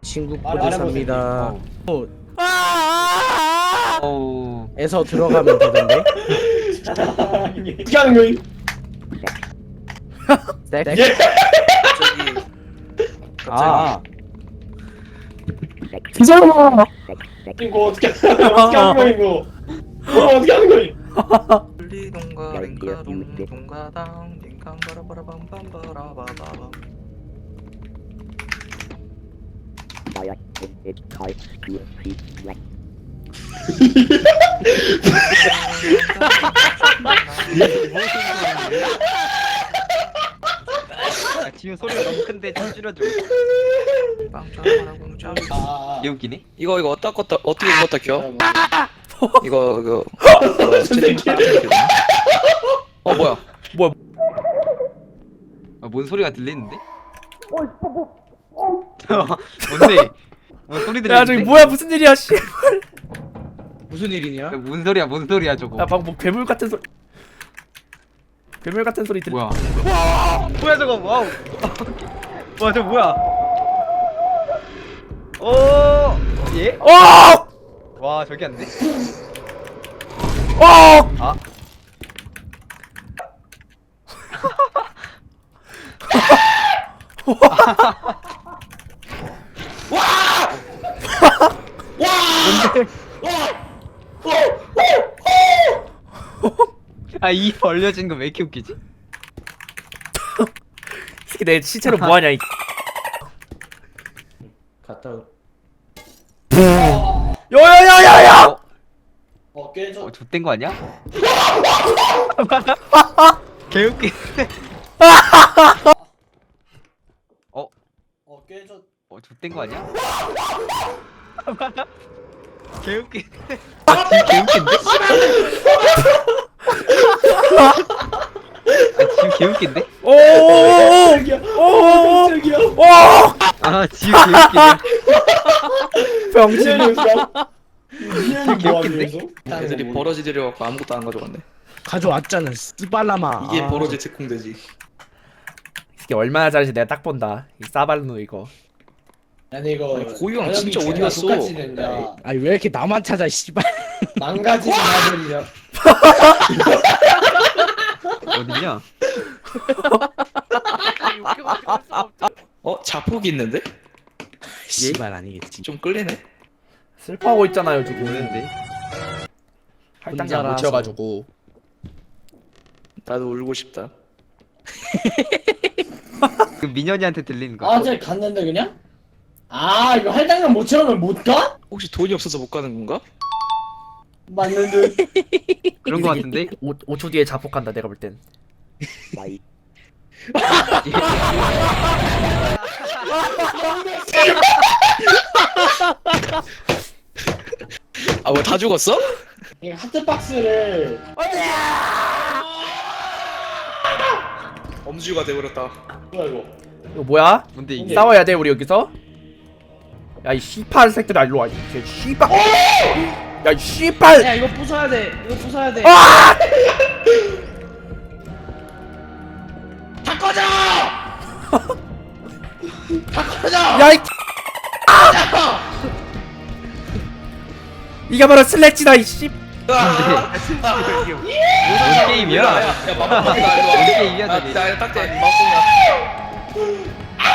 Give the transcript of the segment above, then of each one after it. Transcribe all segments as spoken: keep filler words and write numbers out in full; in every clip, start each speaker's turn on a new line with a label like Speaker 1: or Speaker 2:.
Speaker 1: 친구
Speaker 2: 말-
Speaker 1: 코드
Speaker 2: 말해보세요.
Speaker 1: 삽니다.
Speaker 3: 어우.
Speaker 1: 어,
Speaker 3: 어우.
Speaker 1: 에서 들어가면 되던데.
Speaker 2: 어떻게 하는 거임?
Speaker 1: 네?
Speaker 2: 예.
Speaker 4: 갑자기
Speaker 1: 아,
Speaker 2: 이거 어떻게 어떻게 하는 거임 이거? 이거 어떻게 하는 거임?
Speaker 3: 돌리동가 랭가동 동가당 링강바라바라밤밤바라바바밤. 아, 지금 소리가 너무 큰데 좀 줄여줘. 빵짜라공짜.
Speaker 2: 아,
Speaker 3: 얘 웃기네?
Speaker 4: 이거 이거 어디다 껐다 어떻게 껐다 켜?
Speaker 2: 아,
Speaker 4: 이거 이거 어, 채팅 어 뭐야?
Speaker 3: 아, 뭔 소리가 들리는데? 뭔데? 뭔 소리 들리는데?
Speaker 5: 야 저기 뭐야 무슨 일이야 씨.
Speaker 1: 무슨 일이냐?
Speaker 3: 뭔 소리야? 뭔 소리야 저거?
Speaker 5: 야 방금 뭐 괴물 같은 소리. 괴물 같은 소리 들.
Speaker 3: 뭐야? 와! 뭐야 저거? 와우! 와 저거 뭐야? 오! 예?
Speaker 5: 어!
Speaker 3: 와 저기 안 돼?
Speaker 5: 어!
Speaker 3: 아. 아, 이 벌려진 거 왜 이렇게 웃기지?
Speaker 5: 이 새끼 내 시체로 뭐 하냐 이.
Speaker 1: 갔다. 오-
Speaker 5: 야야야야야!
Speaker 3: 어?
Speaker 2: 어 깨져.
Speaker 3: 어, 좆된 거 아니야? 개웃기. 어?
Speaker 2: 어 깨져.
Speaker 3: 어, 좆된 거 아니야? 개웃기. 아, 지금 개웃긴데? 아, 지금 개웃긴데?
Speaker 5: 오오오오!
Speaker 2: 저기야.
Speaker 5: 오오오!
Speaker 2: 저기야.
Speaker 5: 오!
Speaker 3: 아, 지금 개웃기네.
Speaker 5: 병신.
Speaker 2: 미연이 뭐하면서?
Speaker 4: 애들이 버러지 들여갖고 아무것도 안 가져갔네.
Speaker 1: 가져왔잖아. 스발라마.
Speaker 4: 이게
Speaker 1: 아.
Speaker 4: 버러지 특공대지.
Speaker 5: 이 새끼 얼마나 잘하는지 내가 딱 본다. 이 싸발누 이거.
Speaker 2: 아니 이거
Speaker 4: 아니, 고유형
Speaker 2: 가격이
Speaker 4: 진짜 어디
Speaker 2: 존나
Speaker 4: 갔어?
Speaker 2: 똑같이 된다.
Speaker 1: 아니 왜 이렇게 나만 찾아 씨발.
Speaker 2: 망가지는 아들이야.
Speaker 3: 어디냐?
Speaker 4: 어 자폭이 있는데?
Speaker 1: 씨발 아니겠지.
Speaker 4: 좀 끌리네.
Speaker 5: 슬퍼하고 있잖아요 지금.
Speaker 3: 뭐는데?
Speaker 5: 할당량 못
Speaker 1: 혼자라서.
Speaker 5: 채워가지고.
Speaker 4: 나도 울고 싶다.
Speaker 3: 그 민현이한테 들리는 거.
Speaker 2: 아, 저 갔는데 그냥? 아, 이거 할당량 못 채우면 못 가?
Speaker 4: 혹시 돈이 없어서 못 가는 건가?
Speaker 2: 맞는 듯.
Speaker 3: 그런 거 같은데?
Speaker 5: 오 초 뒤에 자폭한다 내가 볼 땐.
Speaker 4: 아 뭐 다 죽었어?
Speaker 2: 이 하트박스를
Speaker 4: 엄지가 돼버렸다.
Speaker 2: 뭐야 이거?
Speaker 5: 이거 뭐야?
Speaker 3: 뭔데 이게?
Speaker 5: 싸워야 돼 우리 여기서? 야 이 씨팔 새끼들아 일로 와. 이 씨발. 야 이 씨발.
Speaker 1: 야 이거 부숴야 돼. 이거 부숴야 돼.
Speaker 5: 아!
Speaker 2: 다 꺼져!
Speaker 5: 야 이. 이게 바로 슬래치다 이 씨.
Speaker 4: 아,
Speaker 3: 뭔 게임이야?
Speaker 4: 야 마법이다
Speaker 3: 뭔
Speaker 4: 이거.
Speaker 3: 게임이야 저게?
Speaker 4: 나딱대 마법이야.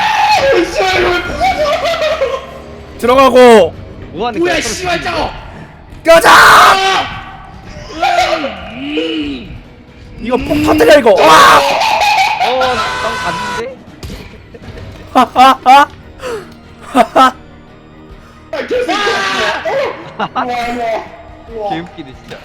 Speaker 5: 들어가고
Speaker 3: 뭐 하는 거야?
Speaker 2: 뭐야 씨발 짜고!
Speaker 5: 껴자. 이거 폭 터뜨려 이거. 와!
Speaker 3: 어, 난 갔는데?
Speaker 5: 하하하. 하하.
Speaker 2: 우와 우와 우와.
Speaker 3: 개웃기네 진짜.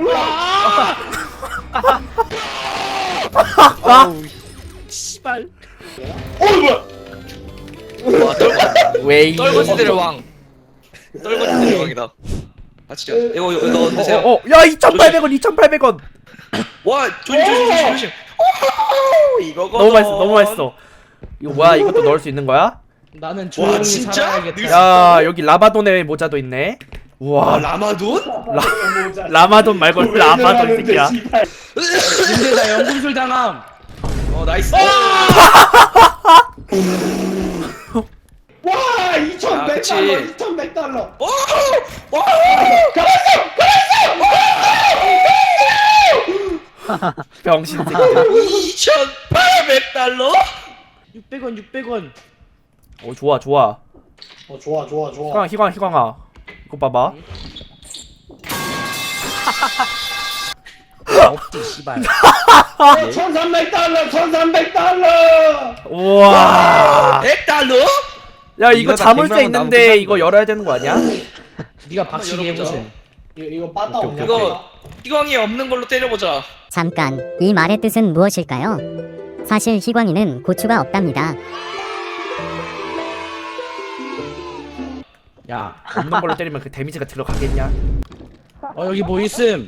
Speaker 5: 아!
Speaker 3: 아우,
Speaker 1: 씨발.
Speaker 2: 어 뭐야?
Speaker 4: 와 떨거
Speaker 5: 웨이.
Speaker 4: 떨거지들의 왕. 떨거지들의 왕이다. 아 진짜 이거 이거 너 드세요.
Speaker 5: 어, 어, 야 이천팔백 원, 이천팔백 원.
Speaker 4: 와 조심 조심 조심 조심. 오 이거거.
Speaker 5: 너무 맛있어, 너무 맛있어. 이거 뭐야? 이것도 넣을 수 있는 거야?
Speaker 1: 나는
Speaker 4: 와
Speaker 1: 조용히
Speaker 4: 진짜?
Speaker 1: 살아야겠다.
Speaker 5: 야, 여기 라바돈의 모자도 있네.
Speaker 4: 와
Speaker 5: 우와,
Speaker 4: 라마돈?
Speaker 5: 라마돈 말고 라바돈 새끼야.
Speaker 1: 근데 나 연금술 당함.
Speaker 4: 어 나이스.
Speaker 2: 와 와 이천백
Speaker 4: 그치.
Speaker 2: 달러 이천백 달러.
Speaker 4: 오! 와!
Speaker 5: 병신 새끼들.
Speaker 4: 이천팔백 달러?
Speaker 1: 육백 원 육백 원.
Speaker 5: 어 좋아 좋아.
Speaker 2: 어 좋아 좋아 좋아.
Speaker 5: 희광 희광 희광아. 이거 봐봐.
Speaker 1: 없지 씨발.
Speaker 2: 천삼백 달러 천삼백 달러.
Speaker 5: 우와.
Speaker 4: 백 달러?
Speaker 5: 야 이거
Speaker 3: 이거 다
Speaker 5: 자물쇠
Speaker 3: 백 명은
Speaker 5: 있는데
Speaker 3: 나오면
Speaker 5: 이거 열어야 되는 거 아니야?
Speaker 1: 네가 박치기
Speaker 4: 열어보자.
Speaker 1: 해보세.
Speaker 2: 이거 이거 빠따
Speaker 5: 오케이,
Speaker 2: 없냐?
Speaker 4: 이거 희광이 없는 걸로 때려보자.
Speaker 6: 잠깐, 이 말의 뜻은 무엇일까요? 사실 희광이는 고추가 없답니다.
Speaker 5: 야 없는 걸로 때리면 그 데미지가 들어가겠냐?
Speaker 1: 어 여기 뭐 있음.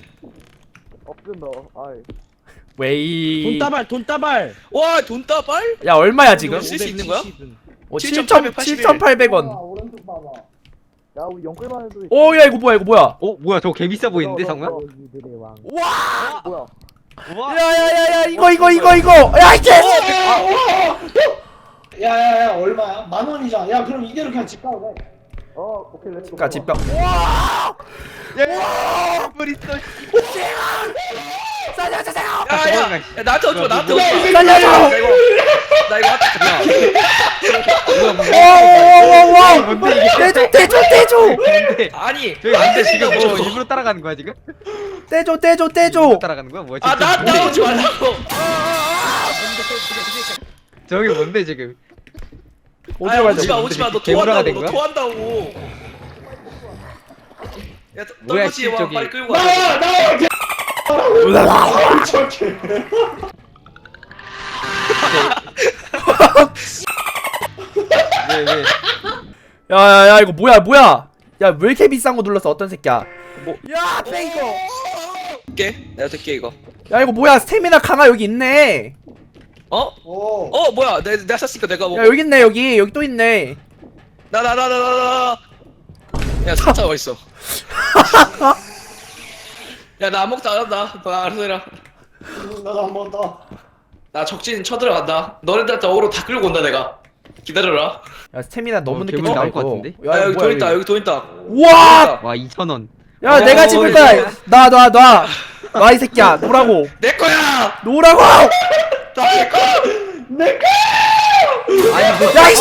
Speaker 5: 웨이.
Speaker 1: 돈다발 돈다발.
Speaker 4: 와, 돈다발?
Speaker 5: 야 얼마야 지금?
Speaker 4: 쓸수 있는 거야?
Speaker 5: 어,
Speaker 4: 칠천팔백팔십일.
Speaker 5: 칠천팔백 원.
Speaker 2: 오른쪽 봐봐.
Speaker 5: 오 야 이거 뭐야 이거 뭐야?
Speaker 3: 어 뭐야 저거 개 비싸 보이는데 상우야?
Speaker 5: 와.
Speaker 3: 와.
Speaker 5: 야야야야 이거 이거 이거 이거. 야 이제.
Speaker 2: 야야야 얼마야? 만 원이잖아. 야 그럼 이대로 그냥 집 가도 돼.
Speaker 5: 집가 집가.
Speaker 3: 물 있어.
Speaker 5: 살려주세요.
Speaker 4: 야, 야, 야, 나한테 오지 마, 나한테 오지 마.
Speaker 5: 살려줘.
Speaker 4: 나 이거, 나 이거 하트
Speaker 5: 와와와와.
Speaker 3: 뭔데 이게?
Speaker 5: 떼줘 떼줘 떼줘.
Speaker 3: 뭔데?
Speaker 4: 아니,
Speaker 3: 저기
Speaker 4: 안
Speaker 3: 안돼
Speaker 4: 돼,
Speaker 3: 지금
Speaker 4: 지금
Speaker 3: 뭐
Speaker 4: 뭐.
Speaker 3: 일부러 따라가는 거야 지금?
Speaker 5: 떼줘 떼줘 떼줘.
Speaker 3: 일부러 따라가는 거야 뭐야?
Speaker 4: 아,
Speaker 3: 지금
Speaker 4: 나
Speaker 3: 뭔데?
Speaker 4: 나오지 말라고.
Speaker 3: 저기 뭔데 지금?
Speaker 4: 아,
Speaker 5: 어디로 가야
Speaker 4: 오지 마,
Speaker 5: 돼?
Speaker 4: 오지 마. 너
Speaker 3: 개구라가 된
Speaker 4: 토한다고, 너
Speaker 3: 거야?
Speaker 4: 토한다고. 야,
Speaker 3: 뭐야,
Speaker 4: 떨거지 와,
Speaker 3: 저기.
Speaker 4: 빨리 끌고 가.
Speaker 2: 나와 나와. 개- 아, 저기.
Speaker 3: 왜 왜?
Speaker 5: 야야야 이거 뭐야 뭐야? 야 왜 이렇게 비싼 거 눌렀어 어떤 새끼야? 뭐? 야 페이거.
Speaker 4: 될게, 내가 될게 이거.
Speaker 5: 야 이거 뭐야 스태미나 강화 여기 있네.
Speaker 4: 어?
Speaker 2: 오.
Speaker 4: 어, 뭐야? 내, 내가 샀으니까 내가 뭐.
Speaker 5: 야 여기 있네 여기 여기 또 있네.
Speaker 4: 나, 나, 나, 나, 나, 나. 야, 사차 어디 있어? 야, 나 아무것도 안 한다. 나 알아서 해라.
Speaker 2: 나도 한 번 더.
Speaker 4: 나 적진 쳐들어간다. 너네들한테 어그로 다 끌고 온다 내가. 기다려라.
Speaker 5: 야 스태미나 너무
Speaker 3: 어,
Speaker 5: 늦게
Speaker 3: 괴물
Speaker 5: 쳤다
Speaker 3: 나올
Speaker 5: 이거.
Speaker 3: 것 같은데?
Speaker 4: 야, 여기
Speaker 5: 뭐야,
Speaker 4: 돈 있다. 여기 돈 있다.
Speaker 5: 우와.
Speaker 3: 와 이천 원.
Speaker 5: 야
Speaker 4: 어,
Speaker 5: 내가 집을
Speaker 4: 어,
Speaker 5: 거야. 놔 놔 놔. 놔 이 새끼야 놓으라고.
Speaker 4: 내 거야.
Speaker 5: 놓으라고.
Speaker 4: 나내 거.
Speaker 2: 내 거.
Speaker 3: 아니 뭐
Speaker 5: 야 이.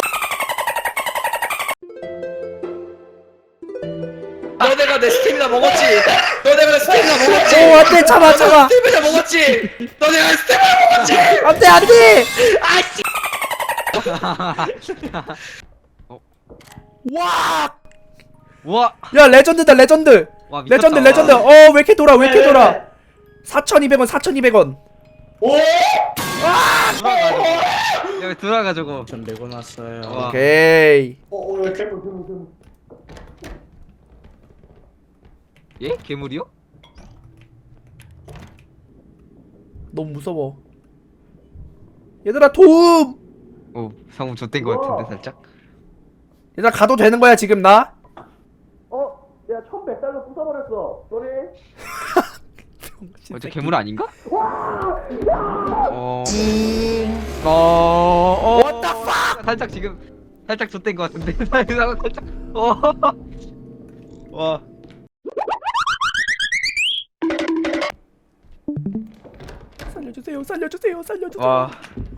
Speaker 4: 너네가 내 스태미나 먹었지. 너네가 내 스태미나 먹었지.
Speaker 5: 오 안돼 참아 참아.
Speaker 4: 스태미나 먹었지. 너네가 내 스태미나 먹었지.
Speaker 5: 안돼 안돼.
Speaker 4: 아씨.
Speaker 5: 와.
Speaker 3: 와.
Speaker 5: 야 레전드다 레전드.
Speaker 3: 와 미쳤다.
Speaker 5: 레전드 레전드. 어 왜 이렇게 돌아 왜 이렇게 돌아? 사천이백 원 사천이백 원.
Speaker 2: 오.
Speaker 3: 돌아가지고. 여기 돌아가지고.
Speaker 1: 전 내고 놨어요.
Speaker 3: 와.
Speaker 5: 오케이.
Speaker 2: 어, 어, 괴물, 괴물, 괴물.
Speaker 3: 예? 괴물이요?
Speaker 5: 너무 무서워. 얘들아 도움.
Speaker 3: 오 상우 좆된 거 같은데 살짝.
Speaker 5: 얘들아 가도 되는 거야 지금 나?
Speaker 2: 어, 야, 천백 달러 부숴버렸어. 쏘리.
Speaker 3: 어, 저 괴물 아닌가? 어. 어. 어.
Speaker 5: What the fuck?
Speaker 3: 살짝 지금 살짝 좆된 거 같은데. 살짝. 어. 와.
Speaker 5: 살려주세요 살려주세요 살려주세요.
Speaker 3: 와.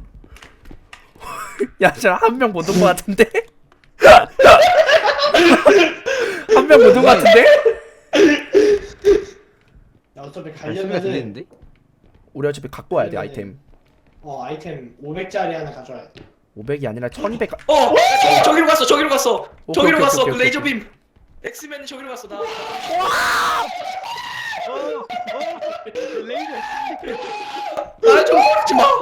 Speaker 5: 야 진짜 한 명 못 온 거 같은데? 한 명 못 온 거 같은데?
Speaker 2: 야, 어차피
Speaker 3: 소리가
Speaker 2: 가려면은,
Speaker 3: 들리는데?
Speaker 5: 우리 어차피 갖고 와야 돼 아이템.
Speaker 2: 어, 아이템 오백짜리 하나 가져와야 돼.
Speaker 5: 오백이 아니라 천이백. 가...
Speaker 4: 어, 야, 저, 저기로 갔어. 저기로 갔어.
Speaker 5: 오케이,
Speaker 4: 저기로
Speaker 5: 오케이,
Speaker 4: 갔어.
Speaker 5: 오케이,
Speaker 4: 그
Speaker 5: 오케이,
Speaker 4: 레이저
Speaker 5: 오케이.
Speaker 4: 빔. 엑스맨이 저기로 갔어. 나. 나좀 모르지 마.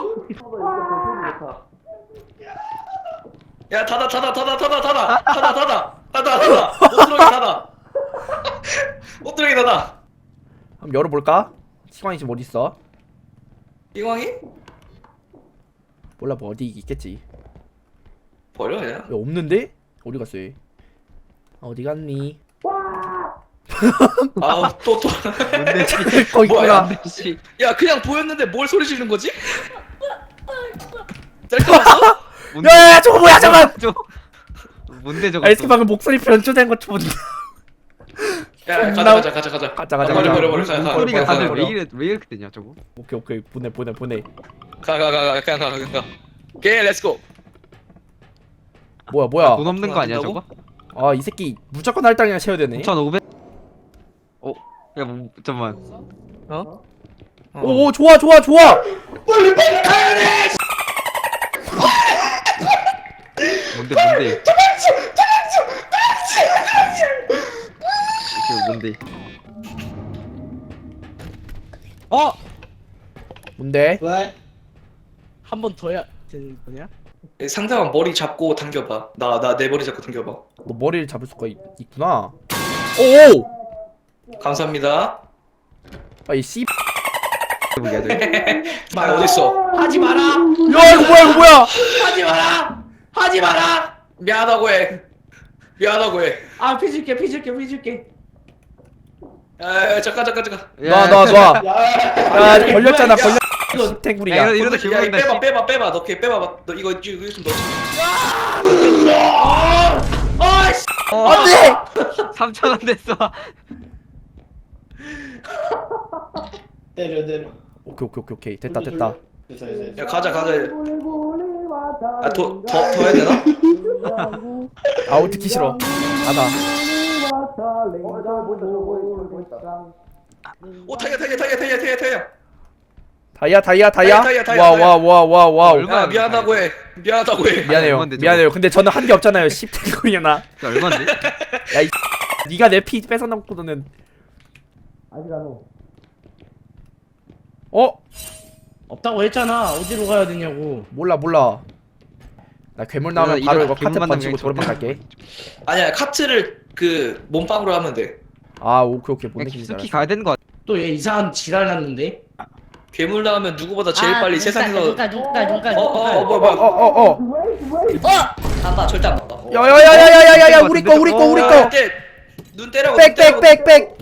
Speaker 4: 야, 닫아, 닫아, 닫아, 닫아, 닫아, 닫아, 닫아, 닫아, 닫아. 못 들어게 닫아. 못 들어게 닫아.
Speaker 5: 한번 열어볼까? 시광이 지금 어디 있어?
Speaker 4: 이광이?
Speaker 5: 몰라 뭐 어디 있겠지.
Speaker 4: 버려 그냥.
Speaker 5: 야 없는데? 어디 갔어 얘? 어디 갔니?
Speaker 4: 아우 또 또.
Speaker 3: 뭔데?
Speaker 5: 거기
Speaker 4: 뭐야?
Speaker 5: 있구나.
Speaker 3: 씨.
Speaker 4: 야 그냥 보였는데 뭘 소리 지르는 거지? 짤까 봤어?
Speaker 3: 뭔데?
Speaker 5: 야야야 저거 뭐야 잠깐.
Speaker 3: 저 뭔데 저거?
Speaker 5: 아, 이 새끼 방금 목소리 변조된 거 좀.
Speaker 4: 야 가자
Speaker 5: 나-
Speaker 4: 가자 가자 가자.
Speaker 5: 가자 가자
Speaker 4: 버려
Speaker 5: 가자.
Speaker 4: 버려 버려. 가, 가,
Speaker 3: 소리가
Speaker 4: 가,
Speaker 3: 다들
Speaker 4: 가,
Speaker 3: 왜 이래 왜 이렇게 되냐 저거?
Speaker 5: 오케이 오케이 보내 보내 보내.
Speaker 4: 가, 가, 가, 가, 그냥 가, 그냥 가. 오케이, 렛츠고.
Speaker 5: 뭐야 뭐야.
Speaker 3: 돈 없는 거 아니야
Speaker 4: 된다고?
Speaker 3: 저거?
Speaker 5: 아 이 새끼 무조건 할당량 채워야 되네.
Speaker 3: 오천오백. 어? 야 뭐, 잠깐만.
Speaker 4: 어?
Speaker 5: 오, 오 좋아 좋아 좋아.
Speaker 3: 뭔데 뭔데? 이게 뭔데?
Speaker 1: 어?
Speaker 5: 뭔데?
Speaker 2: 왜?
Speaker 1: 한 번 더 해야 되는 거냐?
Speaker 4: 상대방 머리 잡고 당겨봐. 나, 나 내 머리 잡고 당겨봐.
Speaker 5: 너 머리를 잡을 수가 있, 있구나. 오.
Speaker 4: 감사합니다.
Speaker 5: 아이 씨.
Speaker 3: 뭐야 돼?
Speaker 4: 말 어딨어?
Speaker 1: 하지 마라!
Speaker 5: 야 이거 뭐야 이거 뭐야?
Speaker 1: 하지 마라! 하지 마라!
Speaker 4: 미안하다고 해. 미안하다고 해.
Speaker 1: 아 피줄게 피줄게 피줄게.
Speaker 4: 야, 야, 잠깐, 잠깐, 잠깐.
Speaker 5: 놔 놔 놔.
Speaker 2: 야,
Speaker 5: 야 걸렸잖아
Speaker 4: 야,
Speaker 5: 걸렸.
Speaker 3: 야,
Speaker 5: 탱구리야.
Speaker 3: 이러- 이러다
Speaker 4: 야,
Speaker 3: 기분
Speaker 4: 이거 빼봐, 빼봐, 빼봐. 넣게, 빼봐. 너 이거, 이거 좀 넣어.
Speaker 1: 아이씨!
Speaker 5: 안돼.
Speaker 3: 삼천 원 됐어.
Speaker 2: 때려 때려.
Speaker 5: 오케이 오케이 오케이 오케이 됐다 됐다.
Speaker 2: 됐어 됐어. 됐어.
Speaker 4: 야, 가자, 가자. 아, 더, 더, 더 해야 되나?
Speaker 5: 아우 듣기 싫어. 가다.
Speaker 4: 오, 타이어, 타이어, 타이어, 타이어, 타이어, 타이어.
Speaker 5: 다이아 다이아 다이아.
Speaker 4: 다이아, 다이아,
Speaker 5: 와
Speaker 4: 다이아.
Speaker 5: 와 와 와 와우.
Speaker 3: 얼마-
Speaker 4: 야, 미안하다고 해. 미안하다고 해.
Speaker 5: 미안해요
Speaker 3: 얼마인데, 저거?
Speaker 5: 미안해요. 근데 저는 한 게 없잖아요. 십 탱구리나.
Speaker 3: 이게 얼마인데?
Speaker 5: 야이 네가 내 피 뺏어 놓고는. 어?
Speaker 1: 없다고 했잖아. 어디로 가야 되냐고.
Speaker 5: 몰라 몰라. 나 괴물 나오면
Speaker 3: 이러다-
Speaker 5: 바로
Speaker 3: 이러다
Speaker 5: 이거 카트
Speaker 3: 괴물
Speaker 5: 번지고
Speaker 3: 만나면
Speaker 5: 도망 갈게.
Speaker 4: 아니야, 카트를 그 몸빵으로 하면 돼.
Speaker 5: 아 오케이 오케이 뭔
Speaker 3: 그냥
Speaker 5: 느낌인지
Speaker 3: 깊숙이
Speaker 5: 알았어.
Speaker 3: 가야 되는 거 같아.
Speaker 1: 또 얘 이상한 지랄 났는데.
Speaker 4: 괴물 나오면 누구보다 제일 빨리 세상에서
Speaker 1: 누가 누가 누가
Speaker 4: 어, 어, 어, 뭐야, 뭐야.
Speaker 5: 어어어.
Speaker 4: 안 봐, 절대 안 봐. 어.
Speaker 5: 야야야야야야야 우리 거 우리 거 우리
Speaker 4: 야,
Speaker 5: 거.
Speaker 4: 때, 눈 때려고. 눈 때려고.
Speaker 5: 백백백백.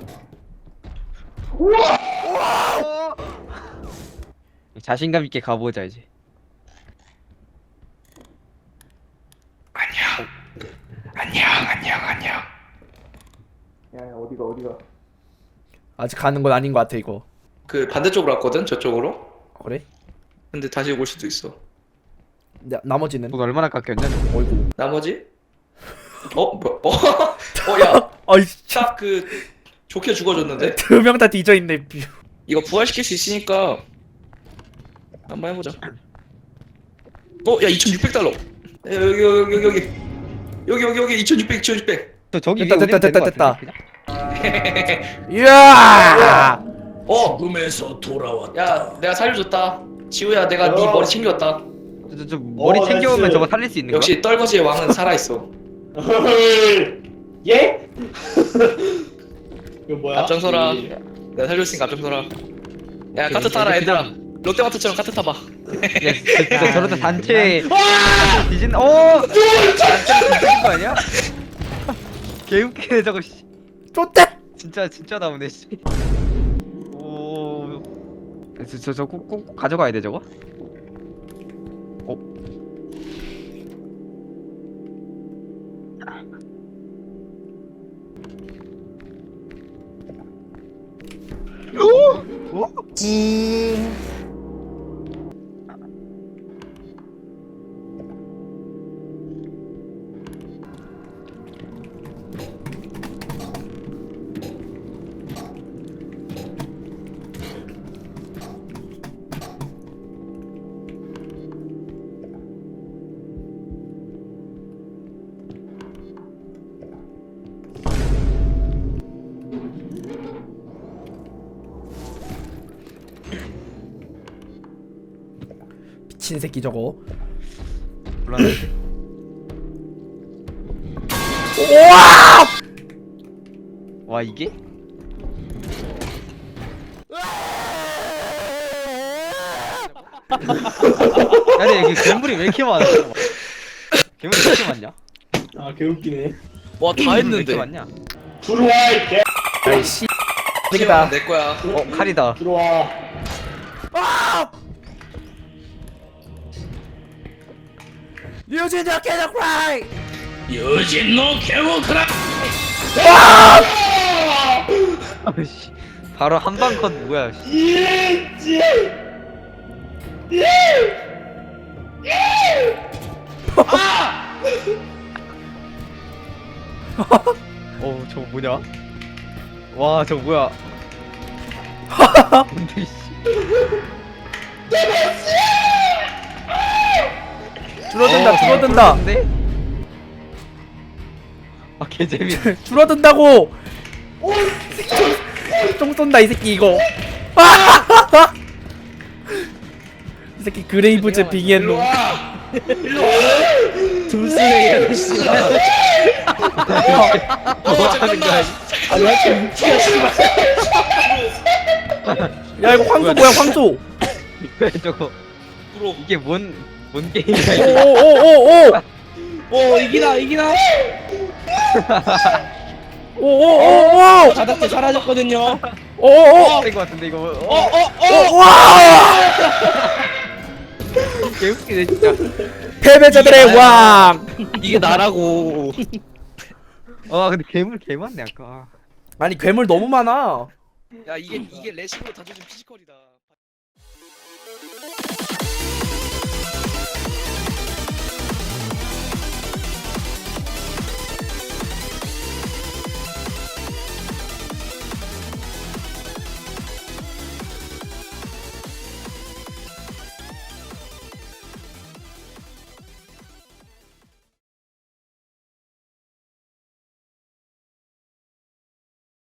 Speaker 3: 자신감 있게 가보자 이제.
Speaker 4: 안녕, 안녕, 안녕.
Speaker 2: 야 어디가 어디가.
Speaker 5: 아직 가는 건 아닌 것 같아 이거.
Speaker 4: 그 반대쪽으로 왔거든, 저쪽으로.
Speaker 5: 그래?
Speaker 4: 근데 다시 올 수도 있어.
Speaker 5: 나, 나머지는?
Speaker 3: 돈 얼마나 깎였냐?
Speaker 5: 어이구.
Speaker 4: 나머지? 어, 뭐, 어, 어, 야,
Speaker 5: 아이
Speaker 4: 딱 그 좋게 죽어줬는데.
Speaker 5: 두 명 다 뒤져 있네.
Speaker 4: 이거 부활시킬 수 있으니까 한번 해보자. 어, 야, 이천육백 달러. 야, 여기, 여기, 여기, 여기, 여기, 여기, 여기, 이천육백, 이천육백.
Speaker 3: 저 저기
Speaker 5: 됐다,
Speaker 3: 위에
Speaker 5: 됐다,
Speaker 3: 올리면 되는
Speaker 5: 됐다,
Speaker 3: 거 같은데, 그냥?
Speaker 5: 이야.
Speaker 4: 어,
Speaker 1: 꿈에서 돌아왔다.
Speaker 4: 야, 내가 살려줬다. 지우야, 내가 네
Speaker 2: 어.
Speaker 4: 머리 챙겼다.
Speaker 3: 저, 저, 저 머리
Speaker 2: 어,
Speaker 3: 챙겨오면
Speaker 2: 나이스.
Speaker 3: 저거 살릴 수 있는 거야?
Speaker 4: 역시 떨거지의 왕은 살아있어.
Speaker 2: 예? 이거 뭐야?
Speaker 4: 앞장서라.
Speaker 2: 이-
Speaker 4: 내가 살려줬으니까 앞장서라. 야,
Speaker 3: 오케이,
Speaker 4: 카트 타라,
Speaker 3: 이렇게
Speaker 4: 얘들아. 롯데마트처럼 카트 타봐.
Speaker 3: 야, 진짜 저러다 단체 뒤진 어! 단체 뒤진 거 아니야? 개웃기네 저거 씨.
Speaker 5: 쫓대.
Speaker 3: 진짜 진짜 나오네 씨. 오. 저저꼭 꼭 가져가야 돼 저거? 어? 오? 어?
Speaker 5: 미친 새끼 저거.
Speaker 3: 몰랐는데.
Speaker 5: 우와!
Speaker 3: 와 이게? 아니 여기 괴물이 왜 이렇게 많아? 괴물이 왜 이렇게 많냐?
Speaker 2: 아 개웃기네.
Speaker 4: 와, 다
Speaker 3: 왜 이렇게
Speaker 4: 했는데.
Speaker 3: 많냐?
Speaker 2: 들어와 이 개.
Speaker 5: 아이 씨.
Speaker 4: 시험은 내 거야.
Speaker 3: 어 칼이다.
Speaker 2: 들어와.
Speaker 5: 유진 더 캐너 크라이.
Speaker 1: 유진노 개모크라.
Speaker 3: 아씨 바로 한방컷 뭐야 씨.
Speaker 2: 예지.
Speaker 3: 어 저거 뭐냐? 와 저거 뭐야? 뭔데 씨.
Speaker 5: 줄어든다
Speaker 3: 어,
Speaker 5: 줄어든다
Speaker 3: 줄어드는데? 아 개재밌네.
Speaker 5: 줄어든다고 총 쏜다 이 새끼 이거 이 새끼 그레이브즈 빙의했노
Speaker 1: 둘쓰레기 아저씨.
Speaker 4: 어 잠깐만.
Speaker 1: 아니 왜 이렇게 묵지가 씨발.
Speaker 5: 야 이거 황소 뭐야 황소
Speaker 3: 왜 저거
Speaker 4: 프로.
Speaker 3: 이게 뭔 뭔 게임이야 이게?
Speaker 5: 오오오오오
Speaker 1: 오 이기나 이기나.
Speaker 5: 오오오오
Speaker 1: 바닥에 사라졌거든요.
Speaker 5: 오오오
Speaker 3: 된거 같은데 이거. 어,
Speaker 1: 어어어.
Speaker 5: 와
Speaker 3: 개웃기네 진짜.
Speaker 5: 패배자들의 왕
Speaker 4: 이게 나라고.
Speaker 3: 아 근데 괴물 개 많네 아까.
Speaker 5: 아니 괴물 너무 많아
Speaker 4: 야 이게 이게 레시로 다져진 피지컬이다.